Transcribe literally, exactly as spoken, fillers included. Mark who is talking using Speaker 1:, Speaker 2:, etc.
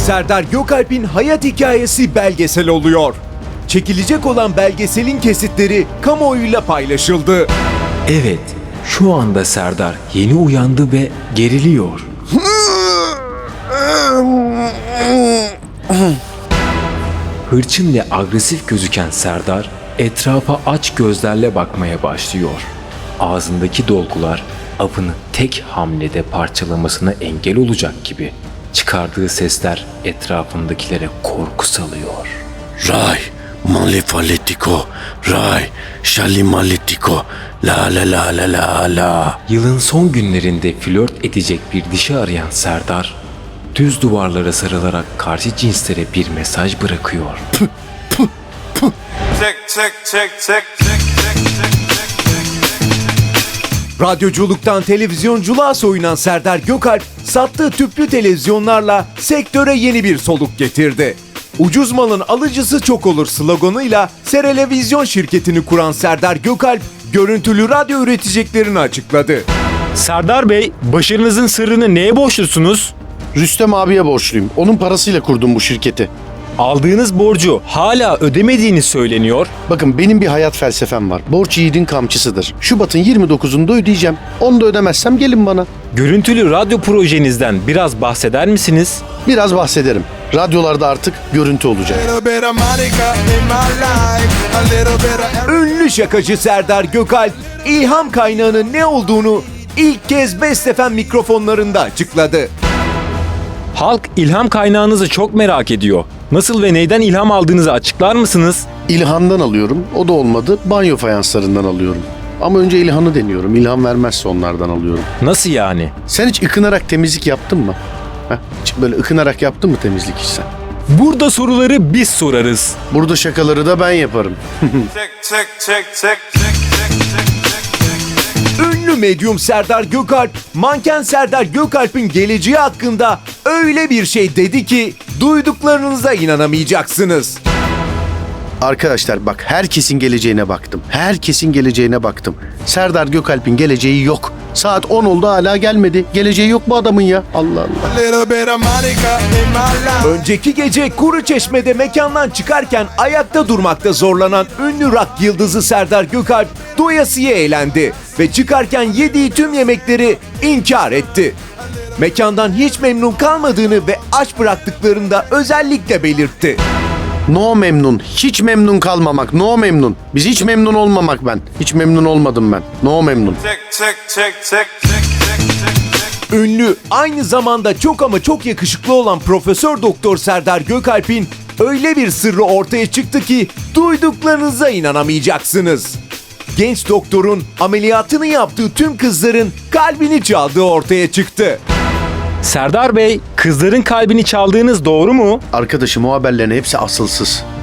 Speaker 1: Serdar Gökalp'in hayat hikayesi belgesel oluyor. Çekilecek olan belgeselin kesitleri kamuoyuyla paylaşıldı.
Speaker 2: Evet, şu anda Serdar yeni uyandı ve geriliyor. Hırçın ve agresif gözüken Serdar etrafa aç gözlerle bakmaya başlıyor. Ağzındaki dolgular avını tek hamlede parçalamasına engel olacak gibi. Çıkardığı sesler etrafındakilere korku salıyor.
Speaker 3: Ray, malefaletico, ray, şalimaletico, la la la la la la.
Speaker 2: Yılın son günlerinde flört edecek bir dişi arayan Serdar, düz duvarlara sarılarak karşı cinslere bir mesaj bırakıyor.
Speaker 4: Check, check, check, check, check, check, check, check.
Speaker 1: Radyoculuktan televizyonculuğa soyunan Serdar Gökalp, sattığı tüplü televizyonlarla sektöre yeni bir soluk getirdi. Ucuz malın alıcısı çok olur sloganıyla Serelevizyon şirketini kuran Serdar Gökalp, görüntülü radyo üreteceklerini açıkladı.
Speaker 5: Serdar Bey, başarınızın sırrını neye borçlusunuz?
Speaker 3: Rüstem abiye borçluyum. Onun parasıyla kurdum bu şirketi.
Speaker 5: Aldığınız borcu hala ödemediğiniz söyleniyor.
Speaker 3: Bakın benim bir hayat felsefem var. Borç yiğidin kamçısıdır. Şubat'ın yirmi dokuzunda ödeyeceğim. Onu da ödemezsem gelin bana.
Speaker 5: Görüntülü radyo projenizden biraz bahseder misiniz?
Speaker 3: Biraz bahsederim. Radyolarda artık görüntü olacak.
Speaker 1: Ünlü şakacı Serdar Gökalp, ilham kaynağının ne olduğunu ilk kez Best F M mikrofonlarında açıkladı.
Speaker 5: Halk ilham kaynağınızı çok merak ediyor. Nasıl ve neyden ilham aldığınızı açıklar mısınız?
Speaker 3: İlhan'dan alıyorum. O da olmadı. Banyo fayanslarından alıyorum. Ama önce İlhan'ı deniyorum. İlhan vermezse onlardan alıyorum.
Speaker 5: Nasıl yani?
Speaker 3: Sen hiç ıkınarak temizlik yaptın mı? Heh, hiç böyle ıkınarak yaptın mı temizlik hiç sen?
Speaker 5: Burada soruları biz sorarız.
Speaker 3: Burada şakaları da ben yaparım.
Speaker 4: Check, check, check, check, check, check, check, check.
Speaker 1: Ünlü medyum Serdar Gökalp, manken Serdar Gökalp'in geleceği hakkında öyle bir şey dedi ki duyduklarınıza inanamayacaksınız.
Speaker 3: Arkadaşlar bak, herkesin geleceğine baktım. Herkesin geleceğine baktım. Serdar Gökalp'in geleceği yok. Saat on oldu hala gelmedi. Geleceği yok bu adamın ya. Allah Allah.
Speaker 1: Önceki gece Kuruçeşme'de mekandan çıkarken ayakta durmakta zorlanan ünlü rock yıldızı Serdar Gökalp doyasıya eğlendi ve çıkarken yediği tüm yemekleri inkar etti. Mekandan hiç memnun kalmadığını ve aç bıraktıklarını da özellikle belirtti.
Speaker 3: No memnun. Hiç memnun kalmamak. No memnun. Biz hiç memnun olmamak ben. Hiç memnun olmadım ben. No memnun.
Speaker 4: Check, check, check, check, check, check, check, check.
Speaker 1: Ünlü, aynı zamanda çok ama çok yakışıklı olan Profesör Doktor Serdar Gökalp'in öyle bir sırrı ortaya çıktı ki duyduklarınıza inanamayacaksınız. Genç doktorun ameliyatını yaptığı tüm kızların kalbini çaldığı ortaya çıktı.
Speaker 5: Serdar Bey, kızların kalbini çaldığınız doğru mu?
Speaker 3: Arkadaşım, o haberlerin hepsi asılsız.